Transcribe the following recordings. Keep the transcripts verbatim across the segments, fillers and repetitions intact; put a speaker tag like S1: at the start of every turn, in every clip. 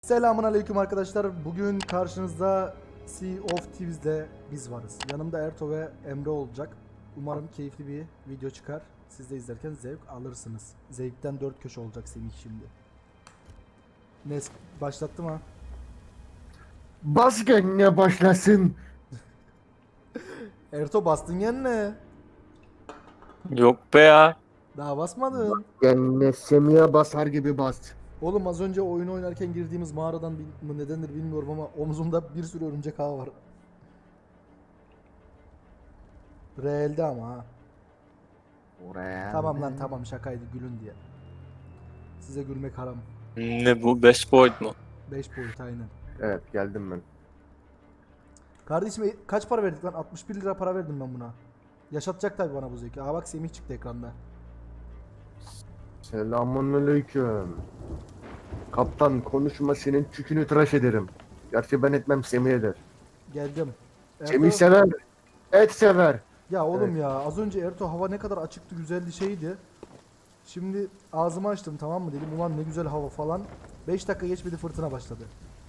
S1: Selamun aleyküm arkadaşlar. Bugün karşınızda Sea of Thieves'de biz varız. Yanımda Erto ve Emre olacak. Umarım keyifli bir video çıkar. Siz de izlerken zevk alırsınız. Zevkten dört köşe olacak Semih şimdi. Nes başlattım ha.
S2: Bas kendine başlasın.
S1: Erto bastın yenine.
S3: Yok be ya.
S1: Daha basmadın.
S2: Kendine Semih'e basar gibi bas.
S1: Oğlum az önce oyun oynarken girdiğimiz mağaradan bil- nedendir bilmiyorum ama omzumda bir sürü örümcek ağı var. Realde ama ha.
S2: Oraya.
S1: Tamam lan tamam şakaydı gülün diye. Size gülmek haram.
S3: Ne bu? Best boyut mu?
S1: beş boyut aynen.
S2: Evet geldim ben.
S1: Kardeşim e, kaç para verdik lan? altmış bir lira para verdim ben buna. Yaşatacak tabi bana bu zevki. Aa bak Semih çıktı ekranda.
S2: Selamünaleyküm. Kaptan konuşma, senin çükünü tıraş ederim. Gerçi ben etmem, Semih eder.
S1: Geldim. Erto-
S2: Semih sever. Et sever.
S1: Ya oğlum
S2: Evet.
S1: ya az önce Erto hava ne kadar açıktı güzeldi şeydi. Şimdi ağzımı açtım tamam mı dedim ulan ne güzel hava falan. beş dakika geçmedi fırtına başladı.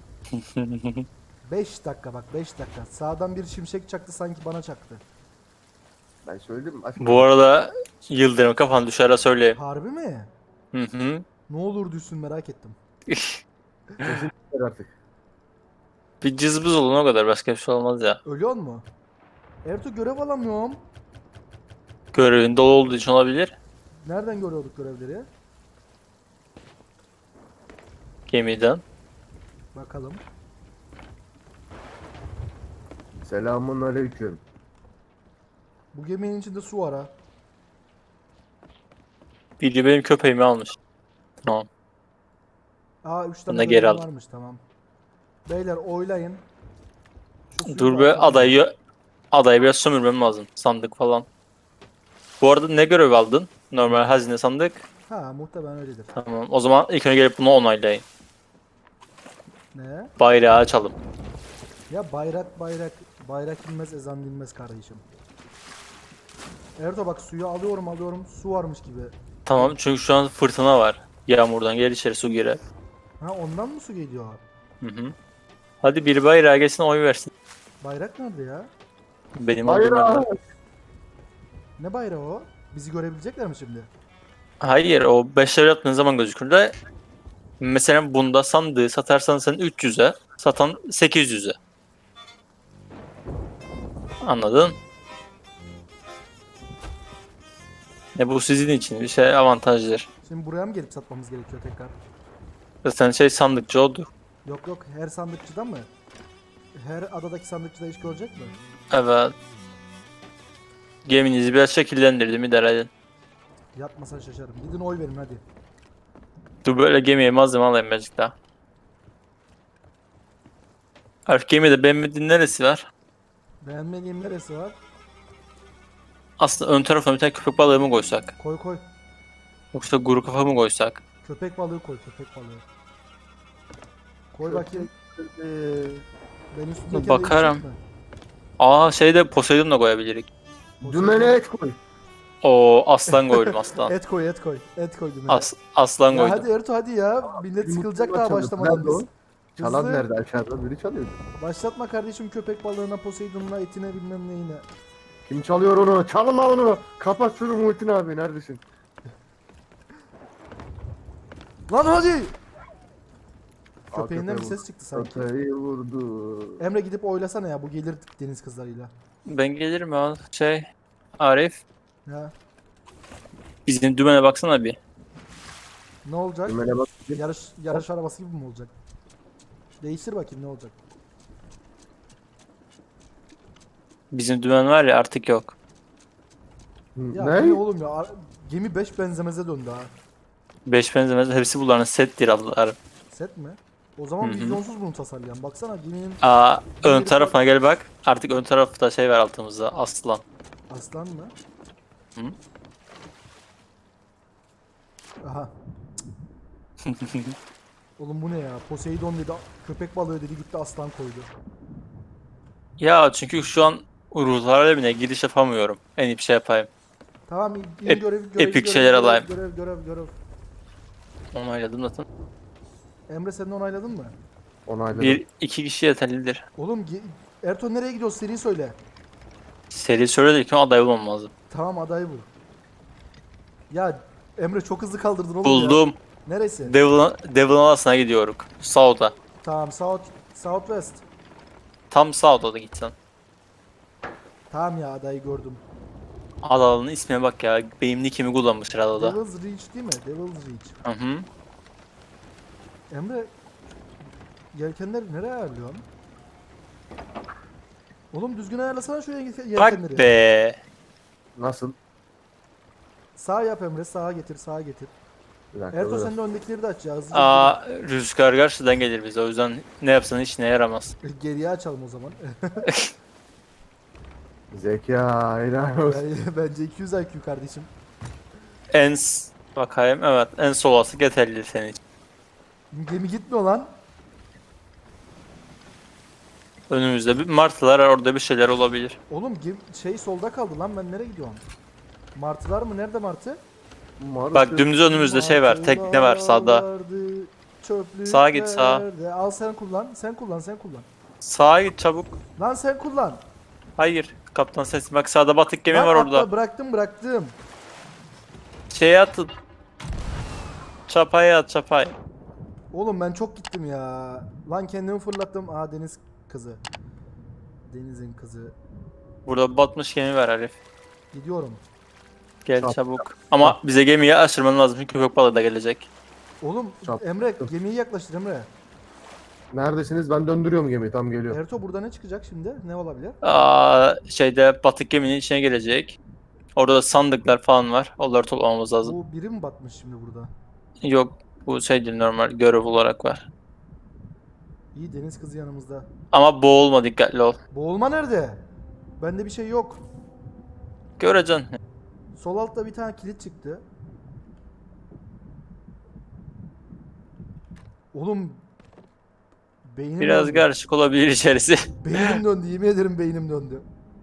S1: beş dakika bak beş dakika. Sağdan bir şimşek çaktı sanki bana çaktı.
S2: Ben söyledim. Aşkım.
S3: Bu arada Yıldırım kafan düşer söyleyeyim.
S1: Harbi mi?
S3: Hı hı.
S1: Ne olur düşsün merak ettim.
S2: Kesin sever artık.
S3: Bir cızbız olun o kadar. Başka bir şey olmaz ya.
S1: Ölüyor mu? Erto görev alamıyorum.
S3: Görevin dolu olduğu için olabilir.
S1: Nereden görüyorduk görevleri?
S3: Gemiden.
S1: Bakalım.
S2: Selamünaleyküm.
S1: Bu geminin içinde su var ha.
S3: Biri benim köpeğimi almış. Tamam.
S1: Aa üç
S3: Ben
S1: tane
S3: de geri
S1: görevim
S3: aldım.
S1: varmış tamam. Beyler oylayın. Şu suyu
S3: Dur be
S1: dağıtalım.
S3: adayı adayı biraz sömürmem lazım. Sandık falan. Bu arada ne görev aldın? Normal hazine sandık.
S1: Ha muhtemelen öyledir.
S3: Tamam. O zaman ilk önce gelip bunu onaylayın.
S1: Ne?
S3: Bayrağı açalım.
S1: Ya bayrak bayrak bayrak inmez ezan dinmez kardeşim. Erdo bak suyu alıyorum alıyorum su varmış gibi.
S3: Tamam çünkü şu an fırtına var. Yağmurdan gel içeri su girer.
S1: Ha ondan mı su geliyor?
S3: Hı hı. Hadi bir bayrağı gelsin oy versin.
S1: Bayrak nerede ya?
S3: Benim olduğum
S2: Bayrağı.
S3: yerde.
S1: Ne bayrağı o? Bizi görebilecekler mi şimdi?
S3: Hayır o beş level yaptığın zaman gözükür de mesela bunda sandığı satarsan sen üç yüze satan sekiz yüze. Anladın? E bu sizin için bir şey avantajdır.
S1: Şimdi buraya mı gelip satmamız gerekiyor tekrar?
S3: Zaten şey sandıkçı oldu.
S1: Yok yok her sandıkçıda mı? Her adadaki sandıkçıda iş görecek mi?
S3: Evet. Geminizi biraz şekillendirdim idare edin.
S1: Yapmasan şaşarım. Gidin oy verin hadi.
S3: Dur böyle gemiye malzeme alayım birazcık daha. Artık gemide beğenmediğin neresi var?
S1: Beğenmediğim neresi var?
S3: Aslında ön tarafına bir tane köpek balığı mı koysak?
S1: Koy koy.
S3: Yoksa kuru kafa mı koysak?
S1: Köpek balığı koy köpek balığı. Koy bakayım.
S2: Ee,
S1: Ben üstündeki
S3: Bakarım. Aa şeyde Poseidon da koyabiliriz.
S2: Dümene et koy.
S3: O aslan koydum aslan.
S1: Et koy et koy. Et koy dümene.
S3: As, aslan
S1: Ya
S3: koydum.
S1: hadi Ertuğ hadi ya. Millet sıkılacak daha başlamadan
S2: Nerede o?
S1: biz.
S2: Çalan
S1: Hızlı.
S2: nerede? Aşağıda biri çalıyor.
S1: Başlatma kardeşim köpek balığına, Poseidon'una, etine bilmem neyine.
S2: Kim çalıyor onu? Çalma onu. Kapat şunu Muhittin abi. Neredesin?
S1: Lan hadi! Köpeğinden bir
S2: köpeği
S1: ses çıktı sanki.
S2: Köpeği vurdu.
S1: Emre gidip oylasana ya bu gelir deniz kızlarıyla.
S3: Ben gelirim ya. Şey Arif
S1: Ya
S3: bizim dümene baksana bir.
S1: ne olacak?
S2: Dümene bak.
S1: Yarış yarış arabası gibi mi olacak? Değiştir bakayım ne olacak?
S3: Bizim dümen var ya artık yok.
S1: Ya
S2: Ne?
S1: bu ne oğlum ya? Ar- Gemi beş benzemeze döndü ha.
S3: Beş benzemez hepsi bunların settir ablalar.
S1: Set mi? O zaman
S3: Hı hı.
S1: vizyonsuz bunu tasarlayan. Baksana geminin
S3: Aa ön
S1: Geri
S3: tarafına gel bak. Artık ön tarafta şey var altımızda aslan.
S1: aslan mı?
S3: Hı?
S1: Aha. Oğlum bu ne ya? Poseidon dedi, köpek balığı dedi gitti aslan koydu.
S3: Ya çünkü şu an ruhlar alemine giriş yapamıyorum. En iyi bir şey yapayım.
S1: Tamam in
S3: Ep-
S1: görev görev
S3: epik
S1: görev,
S3: şeyler
S1: görev,
S3: alayım.
S1: Görev görev görev.
S3: Onayladım zaten.
S1: Emre sen de onayladın mı?
S2: Onayladım.
S3: Bir iki kişi yeterlidir.
S1: Oğlum ge- Erto nereye gidiyoruz? Seri söyle.
S3: Seri söyledik ki aday bulmam lazım.
S1: Tamam adayı bul. Ya Emre çok hızlı kaldırdın oğlum ya.
S3: Buldum.
S1: Neresi?
S3: Devil, Devil Alas'ına gidiyoruz. South'a.
S1: Tamam South Southwest.
S3: Tam South'a da gitsen.
S1: Tamam ya adayı gördüm.
S3: Adalanın ismine bak ya. Benim nickimi kullanmışlar adada.
S1: Devil's Reach değil mi? Devil's Reach.
S3: Hı hı.
S1: Emre yelkenleri nereye ayarlıyorsun? Oğlum düzgün ayarlasana şu yelkenleri.
S3: Bak be.
S2: Nasıl?
S1: Sağ yap Emre, sağa getir, sağa getir.
S2: Bir dakika.
S1: Erto
S2: biraz-
S1: sen de öndekileri de aç ya. Hızlıca
S3: Aa, rüzgar karşıdan gelir bize. O yüzden ne yapsan işine yaramaz.
S1: gidelim. Geriye açalım o zaman.
S2: Zeka helal olsun.
S1: Ben- Bence iki yüz I Q kardeşim.
S3: En s- bakayım, evet, en solası yeterli senin için.
S1: Gemi gitmiyor lan.
S3: Önümüzde bir martılar, orada bir şeyler olabilir.
S1: Oğlum gemi, şey solda kaldı lan, ben nereye gidiyorum? Martılar mı? Nerede martı?
S2: Martı-
S3: Bak dümdüz önümüzde şey var, tekne var sağda.
S1: Martılardı, çöplüklerde.
S3: Sağa git, sağa.
S1: Al sen kullan, sen kullan, sen kullan.
S3: Sağa git çabuk.
S1: Lan sen kullan.
S3: Hayır, kaptan sesi, bak sağda batık gemi
S1: Lan
S3: var
S1: atla,
S3: orada.
S1: bıraktım bıraktım.
S3: Şeye atın. Çapaya at, çapaya.
S1: Oğlum ben çok gittim ya. Lan kendimi fırlattım. Aa deniz kızı. Denizin kızı.
S3: Burada batmış gemi var Arif.
S1: Gidiyorum.
S3: Gel
S2: Çap-
S3: çabuk. Ama bize gemiyi aşırman lazım çünkü köpek balığı da gelecek.
S1: Oğlum
S2: Çap-
S1: Emre gemiyi yaklaştır Emre.
S2: Neredesiniz? Ben döndürüyorum gemiyi. Tam geliyor.
S1: Erto burada ne çıkacak şimdi? Ne olabilir?
S3: Aa, şeyde batık geminin içine gelecek. Orada da sandıklar falan var. Onları toplamamız lazım.
S1: Bu biri mi batmış şimdi burada?
S3: Yok, bu şey değil, normal görev olarak var.
S1: İyi deniz kızı yanımızda.
S3: Ama boğulma, dikkatli ol.
S1: Boğulma nerede? Bende bir şey yok.
S3: Göreceksin.
S1: Sol altta bir tane kilit çıktı. Oğlum beynim
S3: Biraz
S1: döndü.
S3: karışık olabilir içerisi.
S1: Beynim döndü, yemin ederim beynim döndü.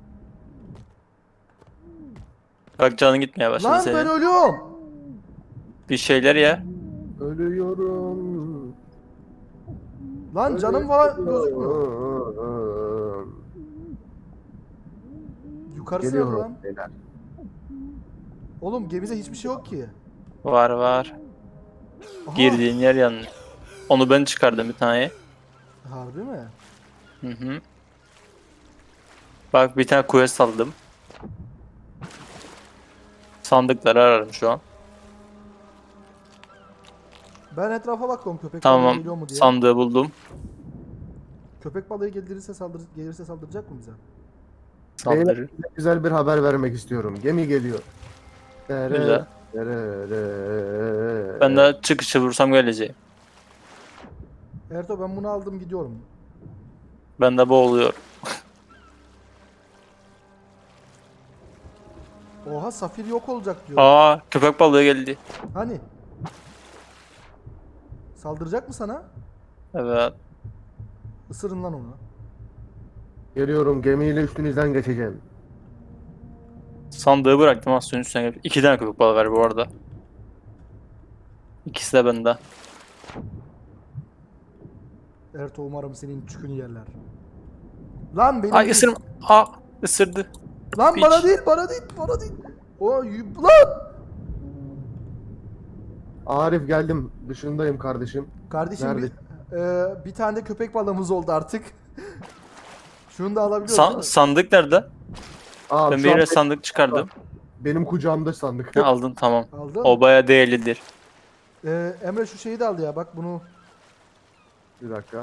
S3: Bak canın gitmeye başladı
S1: Lan
S3: senin.
S1: ben ölüyorum.
S3: Bir şeyler ya.
S2: Ölüyorum.
S1: Lan canım falan gözükmüyor.
S2: Ölüyorum.
S1: Yukarısı nerede
S2: Geliyorum.
S1: lan?
S2: Beyler.
S1: Oğlum gemide hiçbir şey yok ki.
S3: Var var.
S1: Aha,
S3: Girdiğin yer yanlış. Onu ben çıkardım bir tane.
S1: harbi mi?
S3: Hı hı. Bak bir tane quest aldım. Sandıkları ararım şu an.
S1: Ben etrafa bakıyorum köpek balığı
S3: Tamam.
S1: geliyor mu diye.
S3: Sandığı buldum.
S1: Köpek balığı gelirse saldır gelirse saldıracak mı bize?
S3: Saldırı.
S2: Beyler, size güzel bir haber vermek istiyorum. Gemi geliyor. Dere,
S3: Güzel.
S2: dere, dere.
S3: Ben de çıkışı vursam geleceğim.
S1: Erto ben bunu aldım gidiyorum.
S3: Ben de boğuluyor.
S1: Oha safir yok olacak diyor.
S3: Aa, köpek balığı geldi.
S1: Hani? Saldıracak mı sana?
S3: Evet.
S1: Isırın lan onu.
S2: Geliyorum, gemiyle üstünüzden geçeceğim.
S3: Sandığı bıraktım, az suyun üstüne gelip. İki tane köpek balığı var bu arada. İkisi de bende.
S1: Erto umarım senin çükünü yerler. Lan benim
S3: Ay
S1: değil.
S3: ısırma. Aa, ısırdı.
S1: Lan
S3: Piç.
S1: bana değil bana değil bana değil. O y- lan.
S2: Arif geldim. Dışındayım kardeşim.
S1: Kardeşim bir,
S2: Nerede?
S1: e, bir tane de köpek balığımız oldu artık. Şunu da alabiliyoruz
S3: San-
S1: değil mi?
S3: sandık nerede?
S2: Aa,
S3: Ben
S2: şu
S3: bir
S2: an
S3: yere sandık çıkardım.
S2: benim kucağımda sandık.
S3: Ha, aldın, tamam.
S1: Aldın.
S3: O baya değerlidir.
S1: E, Emre şu şeyi de al ya bak bunu.
S2: Bir dakika.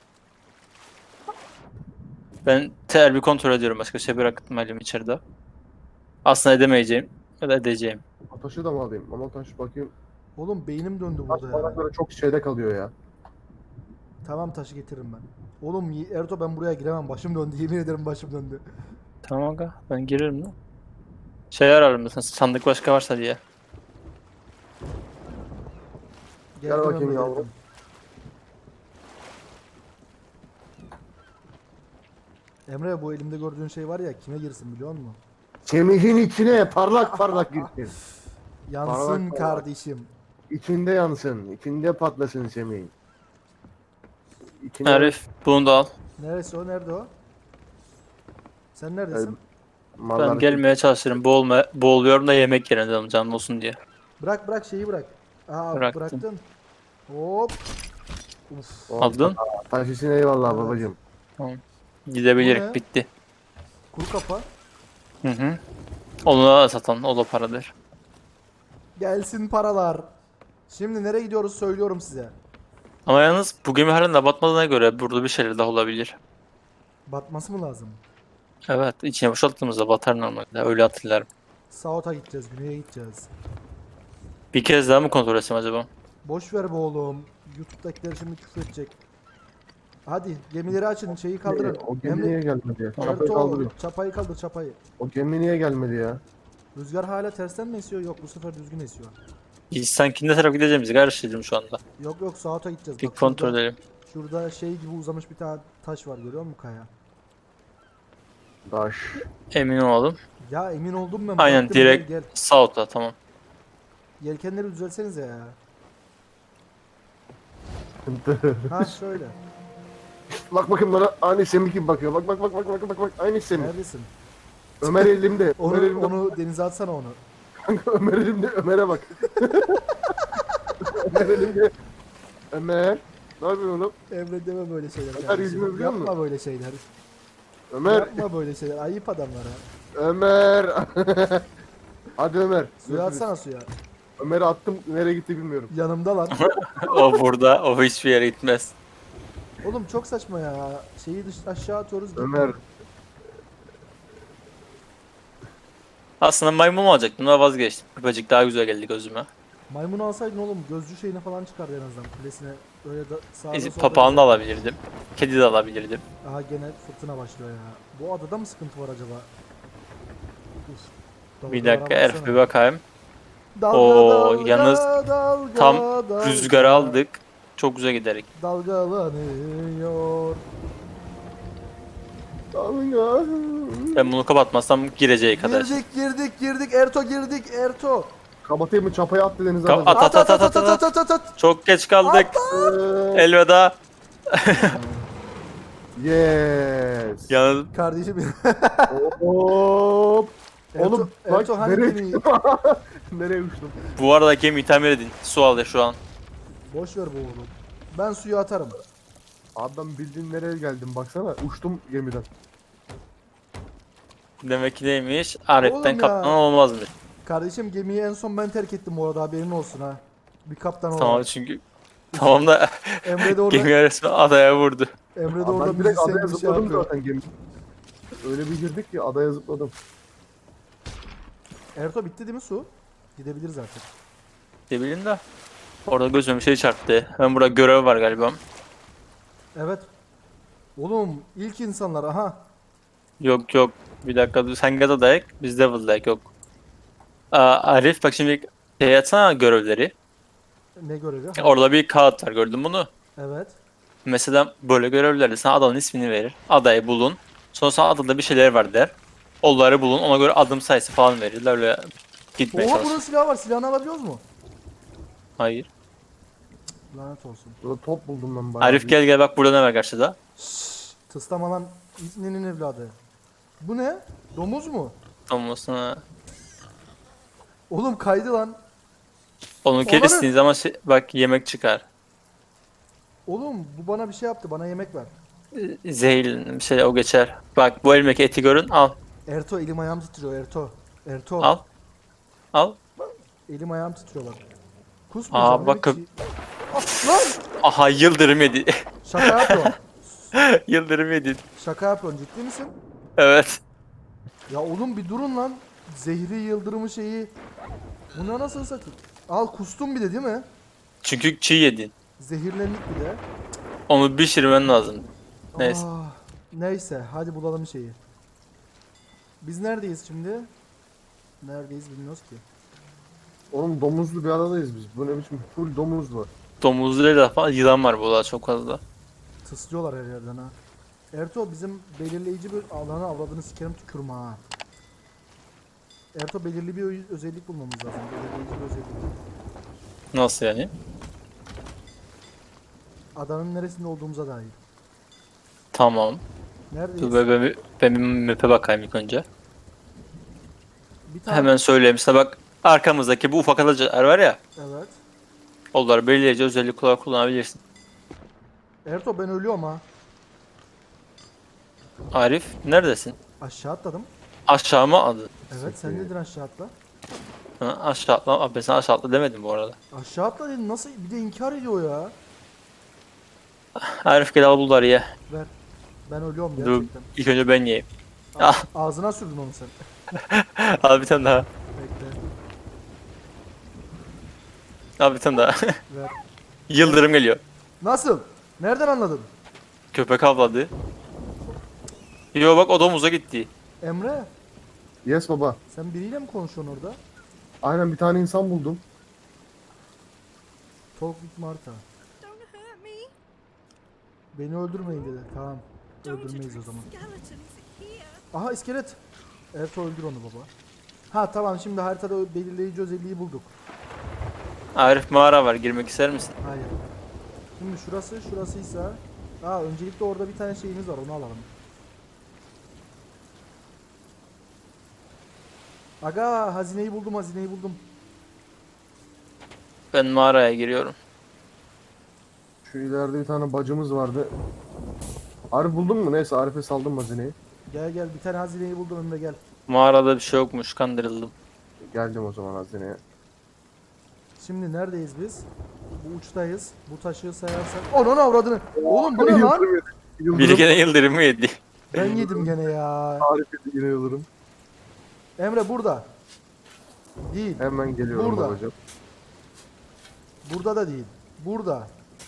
S3: Ben ter bir kontrol ediyorum. Başka şey bıraktım elim içeride. Aslında edemeyeceğim. Ya da edeceğim.
S2: Taşı da mı alayım? Ama taş bakayım.
S1: Oğlum beynim döndü
S2: Taş
S1: burada
S2: bana
S1: ya.
S2: göre çok şeyde kalıyor ya.
S1: Tamam taşı getiririm ben. Oğlum y- Erto ben buraya giremem. Başım döndü. Yemin ederim başım döndü.
S3: Tamam aga, ben girerim lan. Şey ararım mesela, sandık başka varsa diye.
S2: Gel bakayım
S1: Emre,
S2: yavrum.
S1: geldim. Emre bu elimde gördüğün şey var ya kime girsin biliyor musun?
S2: Semih'in içine parlak parlak girsin.
S1: Yansın
S2: Parlak parlak.
S1: kardeşim.
S2: İçinde yansın. İçinde patlasın Semih. İkinci
S3: Arif bunu da al.
S1: Neresi o? Nerede o? Sen neredesin?
S2: mallar
S3: Ben gelmeye çalışırım. Boğulma, boğuluyorum da yemek yerine dedim canım olsun diye.
S1: Bırak bırak şeyi bırak. Aa
S3: Bıraktım.
S1: bıraktın. Hop. Uf.
S2: Oh,
S3: Aldın.
S2: taş için eyvallah
S1: Evet.
S2: babacım.
S3: Tamam.
S1: Bu ne?
S3: Gidebilirik bitti.
S1: Kuru kafa.
S3: Hı hı. Onu da satan o da paradır.
S1: Gelsin paralar. Şimdi nereye gidiyoruz söylüyorum size.
S3: Ama yalnız bu gemi halen de batmadığına göre burada bir şeyler daha olabilir.
S1: Batması mı lazım?
S3: Evet, içine boşalttığımızda batar normalde. Öyle hatırlarım.
S1: South'a gideceğiz, güneye gideceğiz.
S3: Bir kez daha mı kontrol etsem acaba?
S1: Boş ver be oğlum. YouTube'dakiler şimdi küfür edecek. Hadi gemileri açın, şeyi kaldırın.
S2: O gemi niye gelmedi ya? Çapayı
S1: Ertuğrul,
S2: kaldırıyor.
S1: çapayı kaldır çapayı.
S2: O gemi niye gelmedi ya?
S1: Rüzgar hala tersten mi esiyor? Yok bu sefer düzgün esiyor.
S3: Biz sanki ne taraf gideceğimizi karıştırdım şu anda.
S1: Yok yok South'a gideceğiz.
S3: Bir
S1: Bak
S3: kontrol
S1: şurada,
S3: edelim.
S1: şurada şey gibi uzamış bir tane taş var görüyor musun kaya?
S2: Taş.
S3: Emin olalım.
S1: Ya emin oldum ben.
S3: Aynen
S1: baktım,
S3: direkt
S1: Gel, gel.
S3: South'a tamam.
S1: Yelkenleri düzelsenize ya. Ha şöyle.
S2: Bak bakayım bana aynı Semih gibi bakıyor. Bak bak bak bak bak bak bak aynı Semih.
S1: Neredesin?
S2: Ömer elimde.
S1: Onu,
S2: Ömer elimde.
S1: onu denize atsana onu.
S2: Kanka Ömer elimde. Ömer'e bak. Ömer elimde. Ömer. Ne yapıyorsun oğlum?
S1: Emre deme böyle şeyler.
S2: Ömer
S1: kardeşim.
S2: yüzünü biliyor
S1: Yapma
S2: musun?
S1: böyle şeyler.
S2: Ömer.
S1: Yapma böyle şeyler. Ayıp adamlara.
S2: Ömer. Hadi Ömer.
S1: Suya
S2: Görüşürüz.
S1: atsana suya.
S2: Ömer'i attım. Nereye gitti bilmiyorum.
S1: Yanımda lan.
S3: O burada, o hiçbir yere gitmez.
S1: Oğlum çok saçma ya. Şeyi dış aşağı atıyoruz. gitmiyor.
S2: Ömer.
S3: Aslında maymun alacaktım ama vazgeçtim. Köpecik daha güzel geldi gözüme.
S1: Maymunu alsaydın oğlum gözcü şeyine falan çıkardı en azından kulesine. Öyle da sağda
S3: Ezi-
S1: solda.
S3: Papağanı da alabilirdim. Kedi de alabilirdim.
S1: Aha gene fırtına başlıyor ya. Bu adada mı sıkıntı var acaba? Uf,
S3: Bir
S1: dalgalara
S3: dakika Erif
S1: baksana.
S3: bir bakayım.
S1: Dalga,
S3: Oo,
S1: dalga,
S3: yalnız
S1: dalga,
S3: Tam
S1: dalga,
S3: rüzgarı aldık. Çok güzel giderek.
S1: Dalgalanıyor.
S2: Dalga.
S3: Ben bunu kapatmazsam gireceği kadar.
S1: Girdik girdik girdik Erto girdik Erto.
S2: Kapatayım mı? Çapayı at denize.
S3: Ka-
S2: At,
S3: at, at, at, at, at,
S1: at at at.
S3: Çok geç kaldık.
S2: Ee,
S3: Elveda.
S2: Yes.
S3: Yalnız
S1: Kardeşim.
S2: Hop.
S1: Erto,
S2: Oğlum bak
S1: Erto hani
S2: nereye
S1: gemiyi-
S2: uçtum? Nereye uçtum?
S3: bu arada gemiyi tamir edin. Su alıyor şu an.
S1: Boş ver bu oğlum. Ben suyu atarım.
S2: Abi ben bildiğin nereye geldim baksana. Uçtum gemiden.
S3: Demek ki neymiş?
S1: Oğlum
S3: Arif'ten
S1: ya.
S3: kaptan olmazmış.
S1: Kardeşim gemiyi en son ben terk ettim bu arada haberin olsun ha. Bir kaptan olarak.
S3: Tamam çünkü tamam da
S1: Emre de orada,
S3: gemi resmen adaya vurdu.
S1: Emre de
S2: Abi
S1: orada
S2: ben direkt
S1: müzisyen
S2: adaya
S1: bir şey
S2: zıpladım
S1: yapıyor.
S2: zaten gemi. Öyle bir girdik ki adaya zıpladım.
S1: Erto bitti değil mi su? Gidebiliriz artık.
S3: Ne bileyim de. Orada gözüme bir şey çarptı. Hemen burada görev var galiba.
S1: Evet. Oğlum ilk insanlar aha.
S3: Yok yok. Bir dakika dur. Sen Gaza'dayık. Biz Devil'dayık yok. Aa, Arif bak şimdi şey atsana görevleri.
S1: Ne görevi? Ha,
S3: Orada bir kağıt var gördün bunu.
S1: evet.
S3: Mesela böyle görevlerde sana adanın ismini verir. Adayı bulun. Sonra sana adada bir şeyler var der. Onları bulun. Ona göre adım sayısı falan verirler. Öyle gitmeye
S1: Oha
S3: çalış.
S1: bunun silahı var. Silahını alabiliyoruz mu?
S3: Hayır.
S1: Lanet olsun.
S2: Burada top buldum ben bayağı.
S3: Arif gel gel bak burada ne var karşıda.
S1: Şşş. Tıslama lan İbni'nin evladı. Bu ne? Domuz mu?
S3: Tamam sana.
S1: Oğlum kaydı lan.
S3: Onu
S1: Onları-
S3: kestiğin zaman şey- bak yemek çıkar.
S1: Oğlum bu bana bir şey yaptı. Bana yemek ver.
S3: Ee, Zehirli bir şey o geçer. Bak bu elmeki eti görün al.
S1: Erto elim ayağım titriyor Erto. Erto.
S3: Al. Al.
S1: Elim ayağım titriyor bak. Kusmayacağım.
S3: Aa, bak
S1: evet,
S3: kö-
S1: şey- Ah, lan!
S3: Aha yıldırım yedi.
S1: Şaka yapıyorsun.
S3: Yıldırım yedi.
S1: Şaka yapıyorsun ciddi misin?
S3: Evet.
S1: Ya oğlum bir durun lan. Zehri yıldırımı şeyi. Buna nasıl satayım? Al kustum bir de değil mi?
S3: Çünkü çiğ yedin.
S1: Zehirlendik bir de.
S3: Onu pişirmen lazım. Neyse.
S1: Ah, neyse hadi bulalım şeyi. Biz neredeyiz şimdi? Neredeyiz bilmiyoruz ki.
S2: Oğlum domuzlu bir adadayız biz. Bu ne biçim full domuz var.
S3: Domuzlu da falan yılan var burada çok fazla.
S1: Tıslıyorlar her yerden ha. Erto bizim belirleyici bir alanı avradını sikerim tükürme ha. Erto belirli bir ö- özellik bulmamız lazım. Belirleyici bir özellik.
S3: Nasıl yani?
S1: adanın neresinde olduğumuza dair.
S3: Tamam.
S1: Neredeyiz?
S3: Dur ben, ben, ben bir map'e bakayım ilk önce.
S1: Bir tane.
S3: Hemen söyleyeyim size bak. Arkamızdaki bu ufak adacıklar var ya.
S1: Evet.
S3: Onları belirleyici özellik olarak kullanabilirsin.
S1: Erto ben ölüyorum ha.
S3: Arif neredesin?
S1: Aşağı atladım.
S3: Aşağı mı adı?
S1: Evet sen dedin aşağı atla.
S3: Ha, aşağı atla. Abi ben sana aşağı atla demedim bu arada.
S1: Aşağı atla dedin nasıl bir de inkar ediyor ya.
S3: Arif gel al bunları ye.
S1: Ver. Ben ölüyorum
S3: Dur
S1: gerçekten.
S3: ilk önce ben yiyeyim.
S1: A-
S3: Ah.
S1: Ağzına sürdün onu sen.
S3: Al bir tane daha.
S1: Bekle.
S3: Al bir tane daha.
S1: Ver.
S3: Yıldırım geliyor.
S1: Nasıl? Nereden anladın?
S3: Köpek avladı. Yo bak o domuza gitti.
S1: Emre
S2: Yes baba.
S1: sen biriyle mi konuşuyorsun orada?
S2: Aynen bir tane insan buldum.
S1: Talk with Martha.
S4: Don't hurt me.
S1: Beni öldürmeyin dedi. Tamam.
S4: Don't
S1: Öldürmeyiz o
S4: address
S1: zaman.
S4: skeletons here.
S1: Aha iskelet. Erto öldür onu baba. Ha tamam şimdi haritada o belirleyici özelliği bulduk.
S3: Arif mağara var girmek ister misin?
S1: Hayır. Şimdi şurası şurasıysa. Aa öncelikle orada bir tane şeyimiz var onu alalım. Aga hazineyi buldum hazineyi buldum.
S3: Ben mağaraya giriyorum.
S2: Şu ileride bir tane bacımız vardı. Arif buldun mu? Neyse Arif'e saldım hazineyi.
S1: Gel gel bir tane hazineyi buldum Emre gel.
S3: Mağarada bir şey yokmuş kandırıldım.
S2: Geldim o zaman hazineye.
S1: Şimdi neredeyiz biz? Bu uçtayız. Bu taşı sayarsak. Onun avradını. Oğlum bu ne lan?
S2: Yıldırım yedi. Yıldırım.
S3: Biri gene yıldırımı yedi.
S1: Ben yedim gene ya.
S2: Arif yedi yine yıldırım.
S1: Emre burada. Değil.
S2: Hemen geliyorum
S1: Burada.
S2: babacığım.
S1: Burada da değil. Burada.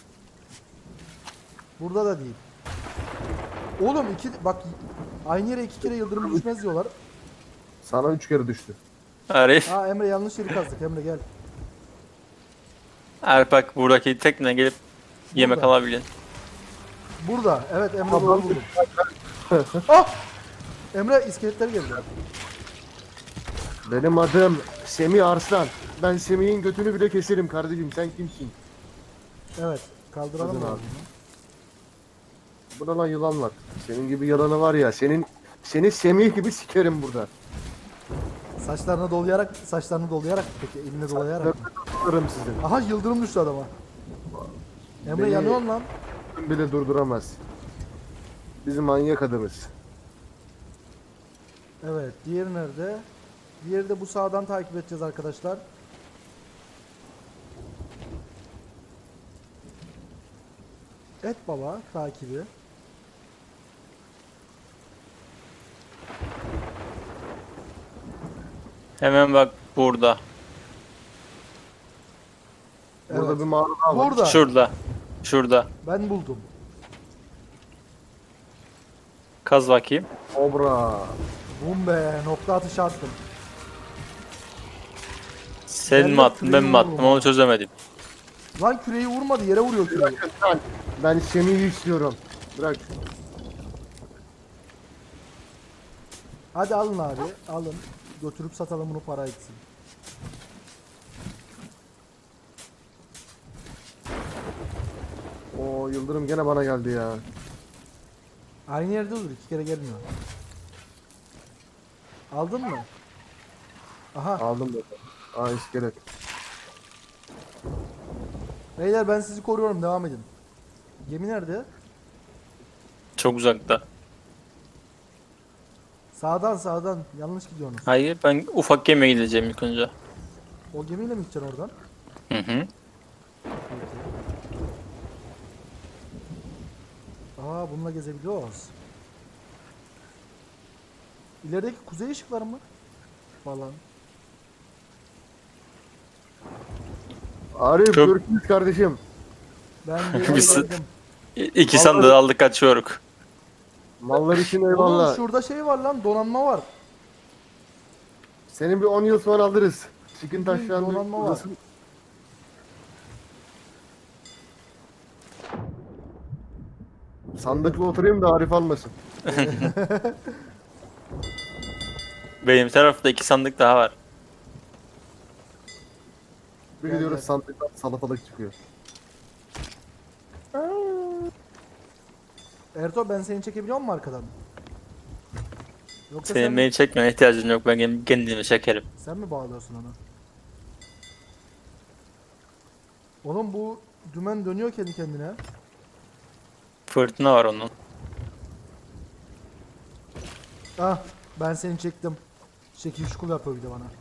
S1: Burada da değil. Oğlum iki bak aynı yere iki kere yıldırım düşmez diyorlar.
S2: Sana üç kere düştü.
S3: Arif.
S1: Aa Emre yanlış yeri kazdık. Emre gel.
S3: Arif bak buradaki tekne gelip yemek
S1: Burada.
S3: alabilin.
S1: Burada. Evet Emre
S2: Tamam.
S1: doğru buldum. Ah! Emre iskeletler geldi.
S2: Benim adım Semih Arslan. Ben Semih'in götünü bile keserim kardeşim. Sen kimsin?
S1: Evet. Kaldıralım
S2: Hadi
S1: mı?
S2: abi. Burada lan yılan var. Senin gibi yalanı var ya. Senin seni Semih gibi sikerim burada.
S1: Saçlarını dolayarak, saçlarını dolayarak peki eline dolayarak mı?
S2: Tutarım sizin.
S1: Aha yıldırım düştü adama. Emre
S2: Beni-
S1: yanıyorsun lan.
S2: Bile durduramaz. Bizim manyak adamız.
S1: Evet, diğeri nerede? Diğeri de bu sağdan takip edeceğiz arkadaşlar. Et baba takibi.
S3: Hemen bak burada.
S2: Burada
S1: Evet.
S2: bir mağara daha var.
S1: Burada.
S3: Şurada. Şurada.
S1: Ben buldum.
S3: Kaz bakayım.
S2: Kobra.
S1: Bum be, nokta atışı attım.
S3: Sen
S1: Ben
S3: mi
S1: de
S3: attın ben mi
S1: küreği
S3: attım
S1: vururum.
S3: onu çözemedim.
S1: Lan küreği vurmadı, yere vuruyor küreği.
S2: Lan, ben Semih'i istiyorum. Bırak.
S1: Hadi alın abi, alın. Götürüp satalım bunu para etsin.
S2: O yıldırım gene bana geldi ya.
S1: Aynı yerde dur, iki kere gelmiyor. Aldın mı? Aha,
S2: Aldım da. Aa iskelet.
S1: beyler ben sizi koruyorum, devam edin. Gemi nerede?
S3: Çok uzakta.
S1: Sağdan sağdan, yanlış gidiyorsunuz.
S3: Hayır ben ufak gemiye gideceğim ilk önce.
S1: O gemiyle mi gideceksin oradan?
S3: Hı hı.
S1: Peki. Aa bununla gezebiliyoruz. İlerideki kuzey ışıkları mı? Falan.
S2: Arif
S3: Çok-
S2: görüşürüz kardeşim.
S1: Ben geri
S3: Biz-
S1: geldim.
S3: İ- İki sandığı aldık kaçıyoruz.
S2: Mallar için
S1: Oğlum
S2: eyvallah.
S1: şurada şey var lan, donanma var.
S2: Senin bir on yıl sonra alırız. Çıkın
S1: Bir
S2: taşlarını.
S1: donanma var.
S2: uzasın. Sandıkla oturayım da Arif almasın.
S3: Benim tarafta iki sandık daha var.
S2: Bir
S1: Gel,
S2: gidiyoruz
S1: gel.
S2: sandıktan salatalık çıkıyor.
S1: Erto ben seni çekebiliyor muyum arkadan? Yoksa
S3: Senin
S1: sen,
S3: beni çekmene ihtiyacın yok. Ben kendim- kendimi çekerim.
S1: sen mi bağlıyorsun onu? Oğlum bu dümen dönüyor kendi kendine.
S3: Fırtına var onun.
S1: Ah ben seni çektim. Şekil şukul yapıyor bir de bana.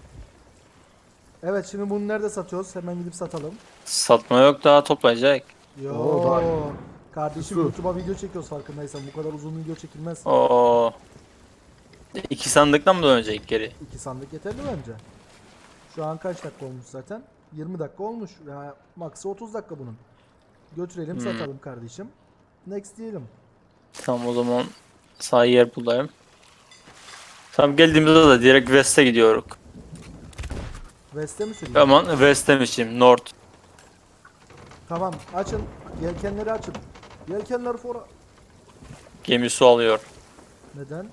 S1: Evet şimdi bunu nerede satıyoruz? Hemen gidip satalım.
S3: Satma yok, daha toplayacak.
S1: Yo
S2: Oo, daha-
S1: kardeşim
S2: Su.
S1: YouTube'a video çekiyoruz farkındaysan. Bu kadar uzun video çekilmez.
S3: Oo. İki sandıktan mı dönecek geri?
S1: İki sandık yeterli bence. Şu an kaç dakika olmuş zaten? yirmi dakika olmuş. Ya maksı otuz dakika bunun. Götürelim
S3: Hmm.
S1: satalım kardeşim. Next diyelim.
S3: Tamam, o zaman sağ yer bulayım. Tamam, geldiğimizde de direkt West'e gidiyoruz.
S1: West'e mi süreyim?
S3: Aman West demişim, North.
S1: Tamam açın. Yelkenleri açın. Yelkenler fora.
S3: Gemi su alıyor.
S1: Neden?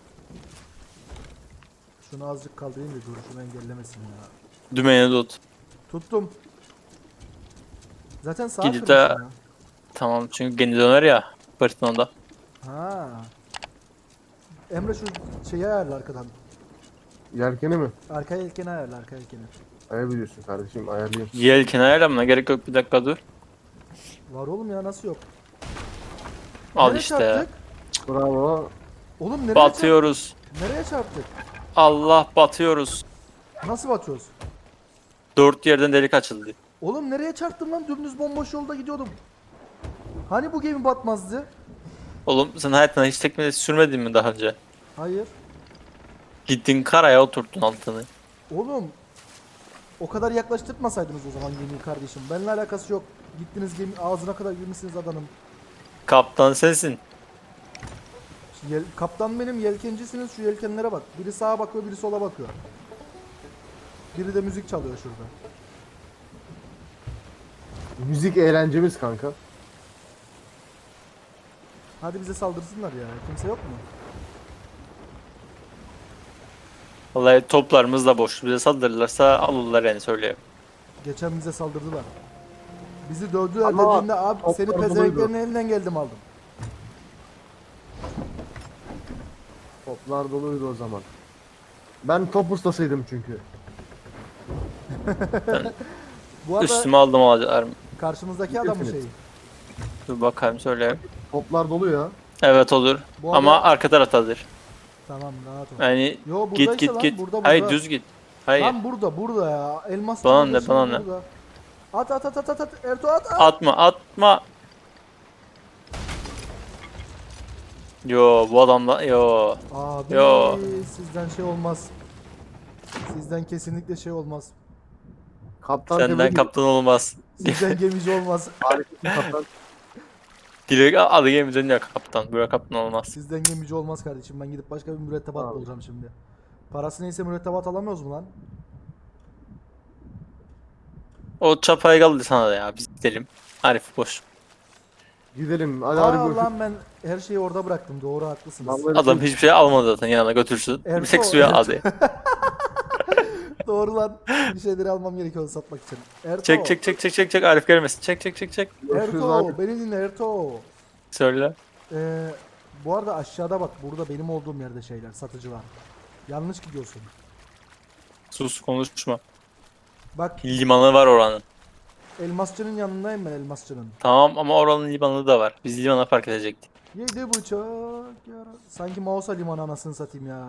S1: Şunu azıcık kaldırayım da duruşunu engellemesin ya.
S3: Dümeni tut.
S1: Tuttum. Zaten sağa
S3: Gidip
S1: kırmışım
S3: de-
S1: ya.
S3: Tamam, çünkü gemi döner ya fırtınada.
S1: Ha. Emre şu şeyi ayarla arkadan.
S2: Yelkeni mi?
S1: Arka yelkeni ayarla arka yelkeni.
S2: Ayarlıyorsun kardeşim, ayarlayayım.
S3: Yelken ayarlamına gerek yok, bir dakika dur.
S1: Var oğlum ya nasıl yok?
S3: Al
S1: Nereye
S3: işte.
S1: çarptık?
S2: Bravo.
S1: Oğlum nereye
S3: Batıyoruz.
S1: çarptık? Nereye çarptık?
S3: Allah, batıyoruz.
S1: Nasıl batıyoruz?
S3: Dört yerden delik açıldı.
S1: Oğlum nereye çarptım lan? Dümdüz bomboş yolda gidiyordum. Hani bu gemi batmazdı?
S3: Oğlum, sen hayatında hiç tekne sürmedin mi daha önce?
S1: Hayır.
S3: Gittin karaya oturttun altını.
S1: Oğlum o kadar yaklaştırmasaydınız o zaman gemiyi kardeşim. Benimle alakası yok. Gittiniz gemi ağzına kadar girmişsiniz adanın.
S3: Kaptan sensin.
S1: Şu Yel, kaptan benim, yelkencisiniz, şu yelkenlere bak. Biri sağa bakıyor, biri sola bakıyor. Biri de müzik çalıyor şurada.
S2: Müzik eğlencemiz kanka.
S1: Hadi bize saldırsınlar ya. Kimse yok mu?
S3: Vallahi toplarımız da boş. Bize saldırırlarsa alırlar yani, söyleyeyim.
S1: Geçen bize saldırdılar. Bizi dövdüler
S2: Ama
S1: dediğinde abi
S2: toplar
S1: seni
S2: doluydu.
S1: pezevenklerin elinden geldim aldım.
S2: Toplar doluydu o zaman. Ben top ustasıydım çünkü.
S1: Bu arada
S3: Üstüme aldım, alacaklar mı?
S1: karşımızdaki adam mı şey?
S2: Bilirsiniz.
S3: Dur bakayım, söyleyeyim.
S2: Toplar dolu ya.
S3: Evet, olur.
S1: Bu
S3: Ama
S1: arada-
S3: arka taraftadır.
S1: Tamam rahat ol.
S3: Yani
S1: Yo buradaysa
S3: git git
S1: lan,
S3: git.
S1: burada,
S3: Hayır,
S1: burada.
S3: düz git. Hayır.
S1: Lan burada burada ya. Elmas
S3: Bana
S1: çalıyor
S3: ne,
S1: şimdi
S3: bana ne?
S1: burada. At at at at at at. Ertuğ at at.
S3: Atma atma. Yo, bu adamla yo.
S1: Abi
S3: Yo.
S1: sizden şey olmaz. Sizden kesinlikle şey olmaz.
S2: Kaptan
S3: Senden
S2: tebrik
S3: kaptan olmaz.
S1: Sizden gemici olmaz.
S2: Harika bir kaptan.
S3: Direkt adı gemi dönüyor kaptan. Böyle kaptan olmaz.
S1: Sizden gemici olmaz kardeşim. Ben gidip başka bir mürettebat
S2: Abi.
S1: bulacağım şimdi. Parası neyse mürettebat alamıyoruz mu lan?
S3: O çapayı kaldı sana da ya. Biz gidelim. Arif boş.
S2: Gidelim. Hadi
S1: Aa
S2: hadi
S1: lan ben her şeyi orada bıraktım. Doğru haklısınız.
S2: Vallahi
S3: Adam hiçbir şey almadı zaten, yanına götürsün. Bir
S1: Ertuğ,
S3: tek suya
S1: Ertuğ.
S3: aldı.
S1: Doğru lan. Bir şeyleri almam gerekiyor satmak için. Erto.
S3: Çek çek çek çek çek çek, Arif gelmesin. Çek çek çek çek.
S2: Görüşürüz
S1: Erto
S2: abi.
S1: beni dinle Erto.
S3: Söyle.
S1: Ee, bu arada aşağıda bak burada benim olduğum yerde şeyler satıcı var. Yanlış gidiyorsun.
S3: Sus, konuşma.
S1: Bak
S3: Limanı var oranın.
S1: elmasçının yanındayım ben elmasçının.
S3: Tamam, ama oranın limanı da var. Biz limana park edecektik.
S1: Yedi bıçak yara. Sanki Mausa limanı anasını satayım ya.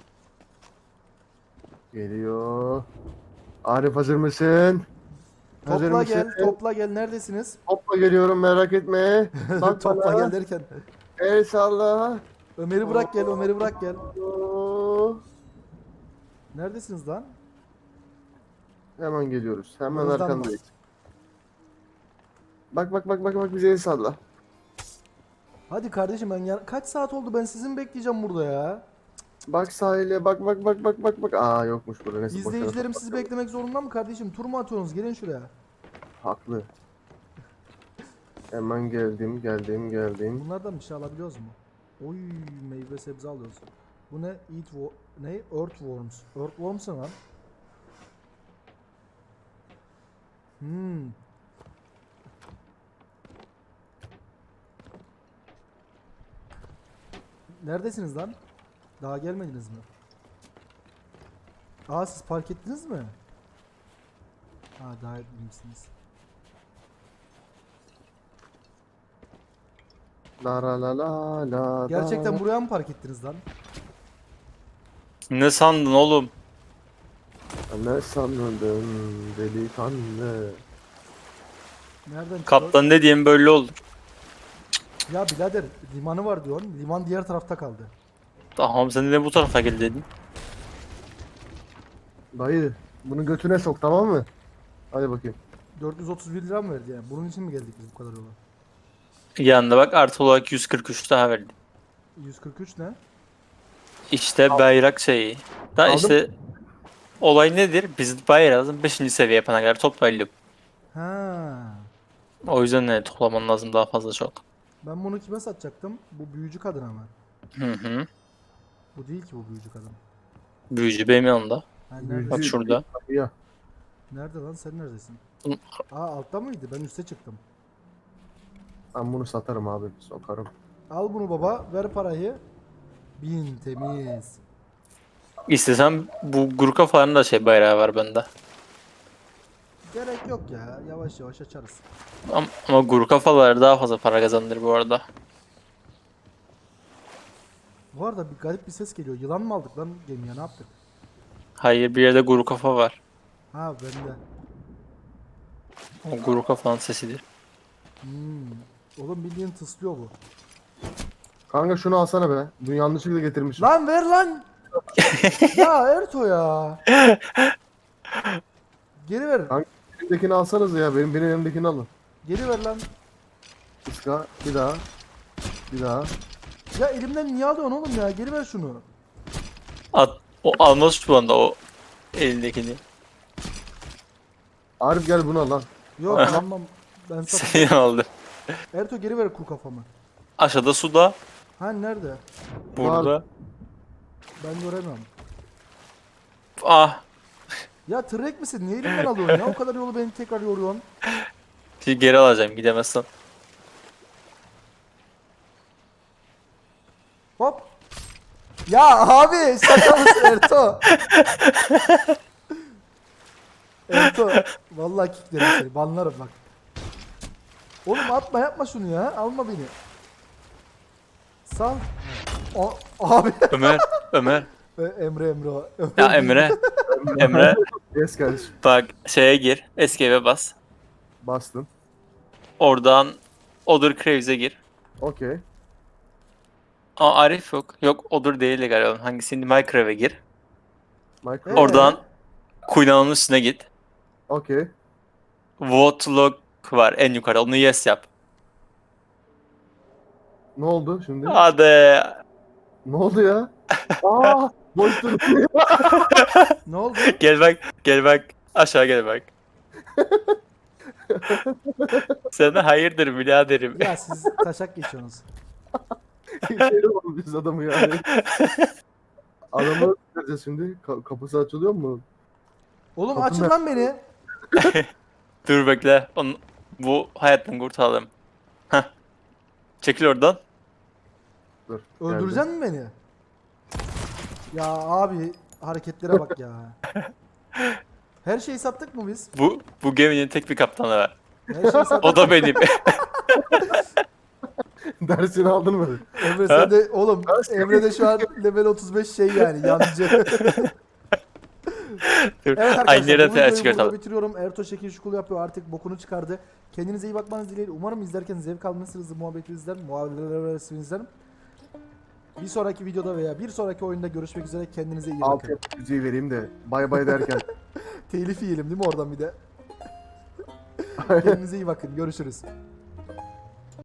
S2: Geliyor. Arif hazır mısın? Hazır
S1: Topla
S2: mısın?
S1: gel, topla gel. Neredesiniz?
S2: Topla geliyorum, merak etme. Bak
S1: Topla
S2: bana.
S1: gel derken.
S2: El salla.
S1: Ömer'i bırak gel, Ömer'i bırak gel.
S2: Oo.
S1: Neredesiniz lan?
S2: Hemen geliyoruz. Hemen
S1: Yanınızdan mı?
S2: arkandayız. Bak bak bak bak bak bize el salla.
S1: Hadi kardeşim ben ya kaç saat oldu ben sizin bekleyeceğim burada ya.
S2: Bak sahile bak bak bak bak bak bak. Aa yokmuş burada. Neyse, boşver.
S1: İzleyicilerim sizi beklemek zorunda mı kardeşim? Tur mu atıyorsunuz? Gelin şuraya.
S2: Haklı. Hemen geldim geldim geldim.
S1: Bunlardan bir şey alabiliyoruz mu? Oy meyve sebze alıyoruz. Bu ne? Eat wo ne? Earthworms. Earthworms ne lan? Hmm. Neredesiniz lan? Daha gelmediniz mi? Aa siz park ettiniz mi? Ha daha etmemişsiniz.
S2: La la la la la.
S1: Gerçekten buraya mı park ettiniz lan?
S3: Ne sandın oğlum?
S2: Ne sandın delikanlı?
S1: Nereden çıkıyor?
S3: Kaptan ne diyeyim böyle oldu.
S1: Ya birader limanı var diyorsun. Liman diğer tarafta kaldı.
S3: Tamam sen de bu tarafa gel dedin.
S2: Dayı bunu götüne sok, tamam mı? Hadi bakayım.
S1: dört yüz otuz bir lira mı verdi yani? Bunun için mi geldik biz bu kadar yola?
S3: Yanında bak artı olarak yüz kırk üç daha verdi.
S1: yüz kırk üç ne?
S3: İşte bayrak şeyi. Da
S2: Aldım.
S3: işte olay nedir? Biz bayrağımızın beşinci seviye yapana kadar toplayalım.
S1: Ha.
S3: O yüzden ne toplaman lazım daha fazla çok.
S1: Ben bunu kime satacaktım? Bu büyücü kadın ama.
S3: Hı hı.
S1: Bu değil ki bu büyücü kadın.
S3: Büyücü benim yanımda.
S1: Ha,
S2: Büyücü-
S1: nerede?
S3: Bak şurada.
S2: Ya
S1: Nerede lan sen neredesin?
S3: Hı.
S1: Aa altta mıydı? Ben üste çıktım.
S2: ben bunu satarım abi, sokarım.
S1: Al bunu baba, ver parayı. Bin temiz.
S3: İstesem bu Gurka falan da şey bayrağı var bende.
S1: Gerek yok ya. Yavaş yavaş açarız.
S3: Ama, ama Gurka faları daha fazla para kazandır bu arada.
S1: Bu arada bir garip bir ses geliyor. Yılan mı aldık lan gemiye? Ne yaptık?
S3: Hayır bir yerde Guru kafa var.
S1: Ha bende.
S3: O Guru kafanın sesidir.
S1: Hmm. Oğlum bildiğin tıslıyor bu.
S2: Kanka şunu alsana be. Bunu yanlışlıkla getirmişim.
S1: Lan ver lan. Ya Erto ya. Geri ver.
S2: Kanka elimdekini alsanız ya. Benim benim elimdekini alın.
S1: Geri ver lan.
S2: Iska bir daha. Bir daha.
S1: Ya elimden niye alıyorsun oğlum ya? Geri ver şunu.
S3: At, o almaz şu anda o elindekini.
S2: Arif gel bunu al lan.
S1: Yok almam. Ben satayım.
S3: Seni aldı.
S1: Erto geri ver kuru kafamı.
S3: Aşağıda suda.
S1: Ha nerede?
S3: Burada.
S1: Ben göremiyorum.
S3: Ah.
S1: Ya tırrek misin? Niye elimden alıyorsun ya? O kadar yolu beni tekrar yoruyorsun.
S3: Şimdi geri alacağım gidemezsen.
S1: Hop. Ya abi şaka mısın Erto? Erto. Vallahi kicklerim seni. Banlarım bak. Oğlum atma yapma şunu ya. Alma beni. Sal. O, abi.
S3: Ömer. Ömer.
S1: E, Emre Emre o.
S3: Ya Emre. Emre.
S2: Yes kardeşim.
S3: Bak şeye gir. Escape'e bas.
S2: Bastın.
S3: Oradan Other Craves'e gir.
S2: Okey.
S3: Aa Arif yok. Yok Other değil galiba. Hangisiydi? Minecraft'e gir.
S2: Micro.
S1: Ee?
S3: Oradan Queen'ın üstüne git.
S2: Okey.
S3: Vote log var en yukarıda. Onu yes yap.
S2: Ne oldu şimdi?
S3: Hadi.
S2: Ne oldu ya? Aa, boş dur.
S1: Ne oldu?
S3: Gel bak. Gel bak. Aşağı gel bak. Sana hayırdır biraderim.
S1: Ya siz taşak geçiyorsunuz.
S2: Şey oldu biz adamı yani. Adamı vereceğiz şimdi. Ka- kapısı açılıyor mu?
S1: Oğlum
S2: Kapı
S1: açın
S2: ne?
S1: lan beni.
S3: Dur bekle. Onu, bu hayattan kurtaralım. Heh. Çekil oradan.
S2: Dur.
S1: Öldüreceksin mi beni? Ya abi hareketlere bak ya. Her şeyi sattık mı biz?
S3: Bu bu geminin tek bir kaptanı var.
S1: Her şeyi sattık.
S3: O da benim.
S2: Geldi. Dersini aldın mı?
S1: Emre sen de oğlum Emre de şu an level otuz beş şey yani yancı.
S3: Dur.
S1: Evet
S3: Aynı
S1: arkadaşlar
S3: yerden
S1: bu
S3: ters
S1: videoyu burada
S3: çıkartalım.
S1: bitiriyorum. Erto şekil şukul yapıyor artık bokunu çıkardı. Kendinize iyi bakmanız dileğiyle. Umarım izlerken zevk almışsınızdır muhabbetinizden. Muhabbetinizden. Bir sonraki videoda veya bir sonraki oyunda görüşmek üzere. Kendinize iyi bakın.
S2: Alt müziği vereyim de bay bay derken.
S1: Telif yiyelim değil mi oradan bir de? Kendinize iyi bakın. Görüşürüz.